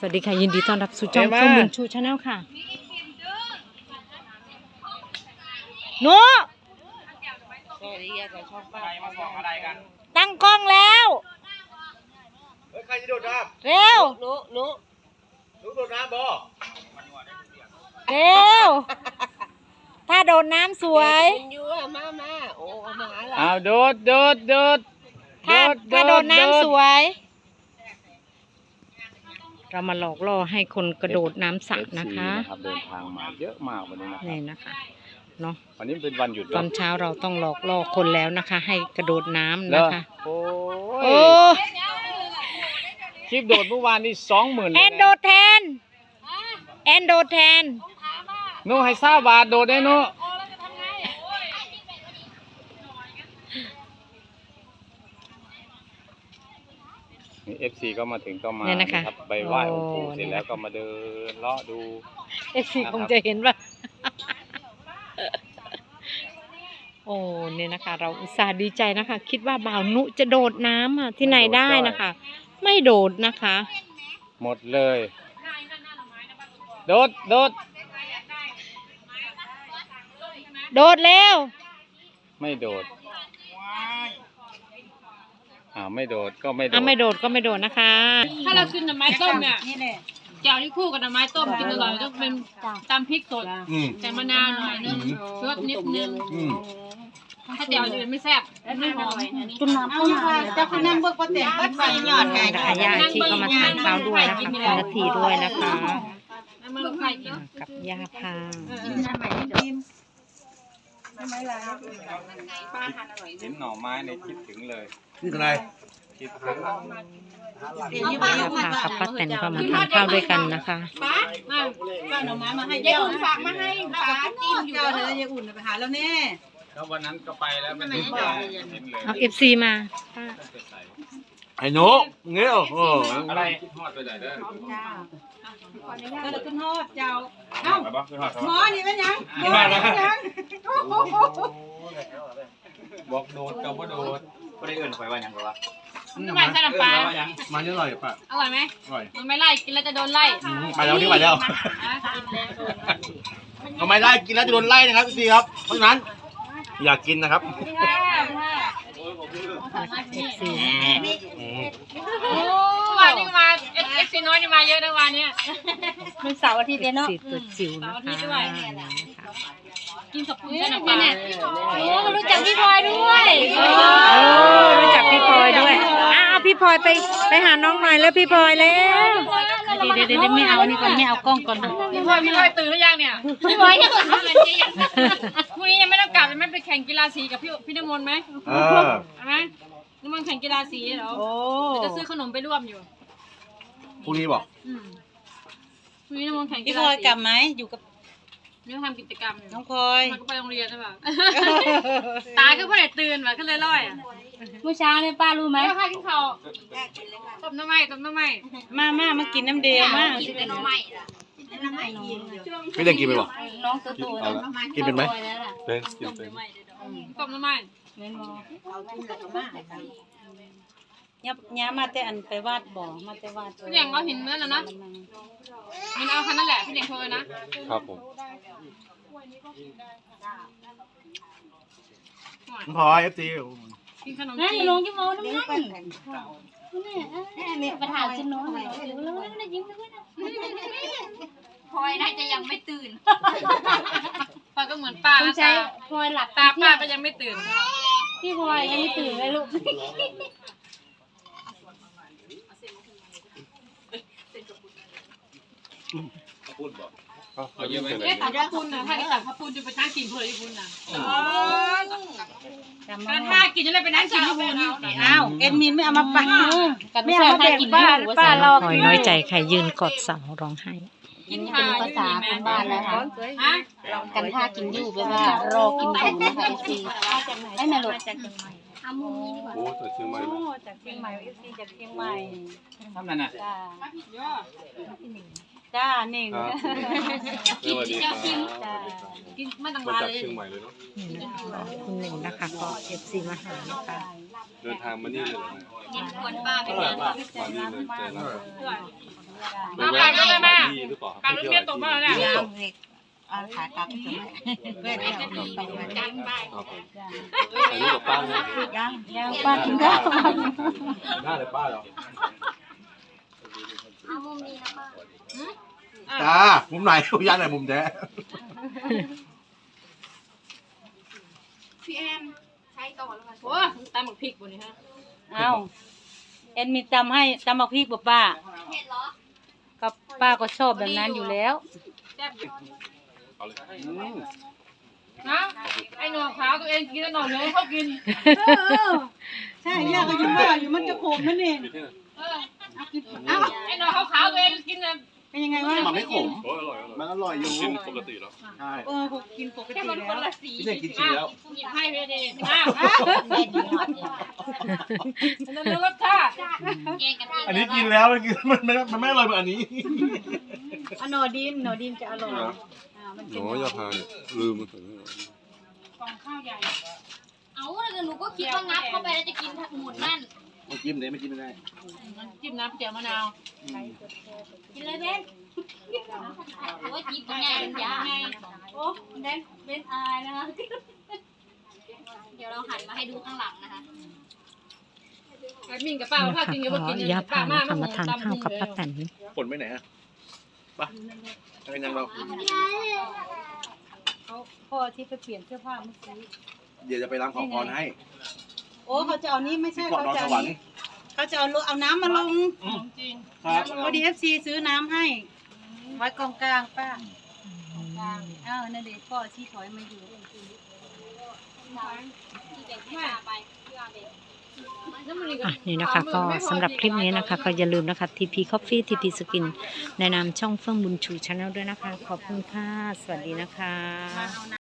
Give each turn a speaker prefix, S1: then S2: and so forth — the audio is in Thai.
S1: วัสดีค่ะยินดีต้อนรับสู่ช่องข้อมูลชูชาแนลค่ะโน้ตั้งกล้องแล้ว
S2: ใครจะโดดน้ำ
S1: เร็ว
S2: รู้โดดน้ำบ่
S1: เร็วถ้าโดดน้ำสวย
S2: โอ้มาหาเรา
S3: เอาโดด
S1: ถ้าโดดน้ำสวยเรามาหลอกล่อให้คนกระโดดน้ำสระนะคะ
S3: เดินทางมาเยอะมากวันนี้นะ
S1: นี่นะคะเนาะ
S3: วันนี้เป็นวันหยุด
S1: ตอนเช้าเราต้องหลอกล่อคนแล้วนะคะ ให้กระโดดน้ำนะคะ
S3: โอ้
S1: โอ้
S3: คลิปโดดเมื่อวานนี่20,000
S1: แอนโดดแทนแอนโดดแทน
S3: หนูให้20 บาทโดดได้หนูนี่ FC ก็มาถึงก็มาครับไปไหว้องค์ปู่เสร็จแล้วก็มาเดินเลาะดู
S1: FC คงจะเห็นว่า โอ้เนี่ยนะคะ เราอุตส่าห์ดีใจนะคะ คิดว่าบ่าวนุจะโดดน้ำอ่ะที่ไหนได้นะคะ ไม่โดดนะคะ
S3: หมดเลยโดด
S1: โดดเร็ว
S3: ไม่โดดไม่โดดก็ไม่โดด
S1: ไม่โดดก็ไม่โดดนะคะ
S4: ถ้าเรากินหน่อไม้ต้มเนี่ยแจ่วที่คู่กับหน่อไม้ต้มกินอร่อยต้องเป็นตำพริกสดใส่มะนาวหน่อยนึงรสนิดนึงถ้าแจ่วอื่นไม่แซ่บไม่หอม
S1: จุ่มน้ำเข้ามาเจ้าคุณนั่งเบิกประเตียงบัดไฟหยอดไงญาติที่ก็มาทานข้าวด้วยนะคะคุณนาทีด้วยนะคะ
S4: มาลงไข่กิน
S1: กับย่าพา
S3: เห็นหน่อไม้ในคิดถึงเลย
S2: นี่อะไร
S3: คิดถึง
S1: ย่าพากับป้าแตนก็มาทานข้าวด้วยกันนะคะ
S4: ป้าหน่อไม้มาให้ยายอุ่นฝากมาให้ป้าจิ้มอยู่เลยยายอุ่นไปหาแล้วแน่
S3: แล้ววันนั้นก็ไปแล้วไม่ได้เห็นเลย
S1: เอา FC มาป้า
S2: ไอ้หนูเงี้ยโอ้
S3: อะไรทอดไปไหนเด้อ
S4: ก็เลยขึ้นทอดเจ้าเอ้าหมอนี่เป็นยังหมอนี่เป็นยัง
S3: บอกโดดกับว่าโดดไม่ได้เอื่นไปว่ายังหรอวะ
S4: ทำไมใส่น้ำปลา
S2: มันอร่อยป่ะ
S4: อร่อยไหม
S2: อร่อย
S4: มันไม่ไล่กินแล้วจะโดนไล่
S2: ไปแล้วที่ไปแล้วทำไมไล่กินแล้วจะโดนไล่นะครับพี่ครับเพราะฉะนั้นอยากกินนะครับ
S1: FC
S4: วันนี้มาเอฟซีน้อยนี่มาเยอะนะวันนี้
S1: มันเสาร์อาทิตย์เนาะตัวจิ๋วนะคะ
S4: กินกับคุณใช่ไหมเนี่ย
S1: โอ้รู้จักพี่พลอยด้วยรู้จักพี่พลอยด้วยพี่พลอยไปหาน้องหน่อยแล้วพี่พลอยแล้วเดี๋ยวไม่เอานี่ก่อนไม่เอากล้องก่อน
S4: พี่พลอยตื่นหรือยังเนี่ยพี่พลอยยังพรุ่งนี้ยังไม่ต้องกลับจะไม่ไปแข่งกีฬาสีกับพี่น้ำมนต์ไหมใช่ไหมน้ำมนต์แข่งกีฬาสีเหรอจะซื้อขนมไปร่วมอยู่
S2: พรุ่งนี้บอก
S4: พรุ่งนี้น้ำมนต์แข่งกีฬาสี
S1: พี่พลอยกลับไหมอยู่กับ
S4: นี่ทำกิจกรรมอยู่
S1: น้องพลอย
S4: มันก็ไปโรงเรียนใช่ป่ะตาก็เพื่อนตื่นว่ะก็เลยร้อยอ่ะ
S1: เมื่อเช้าเนี่ยป้ารู้ไหม
S4: ไม่ค่ากินข้าวต้มน้ำไหม้
S1: มากินน้ำเดียวมา
S4: กินน้ำไหม้
S2: ไม่ได้กินไปบอก
S1: น้องตัวโต
S2: กินเป็นไหมเป็นกินเป็น
S4: ต้มน้ำไหม้
S1: ย้ามาแต่อันไปวาดบ่อมาแต่วาด
S4: พี่เด่งเราเห็นนั่นแล้วนะมันเอาคันนั่นแหละพี่เด่งโทรเลยนะครับ
S2: ผมพอเอฟซี
S4: กินขนม
S1: นั่น
S4: จีน
S1: ลงที่มอน้ำนี่ประธานฉันน้องแล้วไม่ยิ้มด้วยนะ
S4: พลอยน่าจะยังไม่ตื่นพลอยก็เหมือนป้า
S1: ต้องใช้พลอยหลับ
S4: ตาป้าก็ยังไม่ตื่น
S1: พี่พลอยยังไม่ตื่นเลยลูก
S3: พูดบอกเอาเยอะไหม
S4: เอ๊ะแต่พระคุณนะถ้าแต่พระคุณจะไปนั่งกินเพื่อที่คุณนะการถ้ากินจะเลยไปนั่งกินที่คุณ
S1: อ้าวเอ็ดมินไม่เอามาปั่นไม่เอามาแบ่งป้ารอหอยน้อยใจใครยืนกอดเสาร้องไห้
S4: กินเป็นภาษาคนบ้านนะคะฮะ
S1: กันท่ากินอยู่แปลว่ารอกินอยู่นะคะซีไม่มาหลด
S3: โอ้ตัวเชียงใหม่
S1: จากเชียงใหม่ซีจากเชียงใหม่
S3: ทำนั่นน่ะ
S1: จ้าหนึ่ง
S3: สวัสดีครับ
S4: กินไม่ต้อง
S3: มา
S4: มา
S3: จาก
S4: เลย
S3: เชียงใหม่เลยเนาะ
S1: คุณหนึ่งนะคะก็FCมาหานะคะ
S3: เดินทางมานี่เลย
S4: กินควรป้าไป
S3: มา
S4: เดิน
S3: นี่เลยเจอแล้ว
S4: มาปากก็ได้แม่
S3: ดีหรือเปล่า
S4: ปากลูกเมียตกมาแล้วเนี่ย
S5: เอาขากลับเพื่อนเอาขนมปังมา
S4: จังไป
S3: ถ่ายรูปกับป้าเลย
S5: ยังป้ากินข้าว
S2: หน้าเลยป้าเหรอ
S6: เอามุมนี้นะป้า
S2: จ้ามุมไหนย่านไหนมุมแท้
S6: พี่แอนใช้ต่อแล้วค่ะ
S4: โอ้ตำหมึกพริกบนนี้ฮะ
S1: เอาแอนมีตำให้ตำบักพริกป่ะป้า
S6: เผ็ดเหรอ
S1: ก็ป้าก็ชอบแบบนั้นอยู่แล้ว
S4: แซ่บอยู่นะไอ้หนอนขาวตัวเองกินแล้วหนอนเหลืองเขากิน
S5: ใช่ย่าก็ยังว่าอยู่มันจะขมนั่นเอง
S4: เออไอ้หนอนขาวตัวเองกินน่ะ
S5: เป็นยังไงวะ
S2: มันไม่ขม
S3: โอ้ยอร่อยอร่อย
S2: มันอร่อยอยู่
S3: กินปกติแล้ว
S2: ใช่
S5: กินปก
S4: แค่
S5: ติ
S4: มันคน
S5: แล้ว
S4: ละสี
S2: พี่เน่งกินจริงแล้ว
S4: หยิบให้ไปเลยอ้าวนั่นรสชาติ
S6: แยกกันเอง
S2: อันนี้กินแล้วมันไม่อร่อยเหมือนอันนี้
S5: อโนดินจะอร่อยมันเป็น
S3: โอ้ยอย่าพาลืมมันถึง
S4: กล่องข้าวใหญ่
S6: เอาแล้วหนูก็คิดว่างับเข้าไปแล้วจะกินหมดนั่น
S2: ไม่จิ้มเลยไม่จิ้มไม่ได้
S4: จิ้มน้ำเจียวมะนาว
S6: กินเลยเบนโอ้ยจีบเป็นไงเป็นยาโอ้เบนอายนะคะ เดี๋ยวเราหันมาให้ดูข้างหลังนะคะ
S4: แอดมินกับป้าถ้ากินเยอะก็กิน
S1: ย่าพานะคะมาทานข้าวกับป้าแตน
S2: ผลไปไหนฮะไปเป็นยังเรา
S5: พ่อที่ไปเปลี่ยนเสื้อผ้าเมื่อกี้
S2: เดี๋ยวจะไปล้างขอพรให้
S5: โอ้เขาจะเอานี้ไม่ใช่
S2: ที่เกาะนอนสวรรค์
S5: เขาจะเอาน้ำมาลง
S4: จริง
S2: ครับ
S5: พอดีFCซื้อน้ำให้ไว้กองกลางป้าอ้าวนั่นเด็กพ่อชี้ถอยมาอยู่
S6: ที่แบ่งให้ป้าไปพี่อาเบน
S1: อ่ะนี่นะคะก็สำหรับคลิปนี้นะคะก็อย่าลืมนะคะ TP Coffee TP Skin ในนามช่องเฟื่องบุญชูชาแนลด้วยนะคะ ขอบคุณค่ะ สวัสดีนะคะ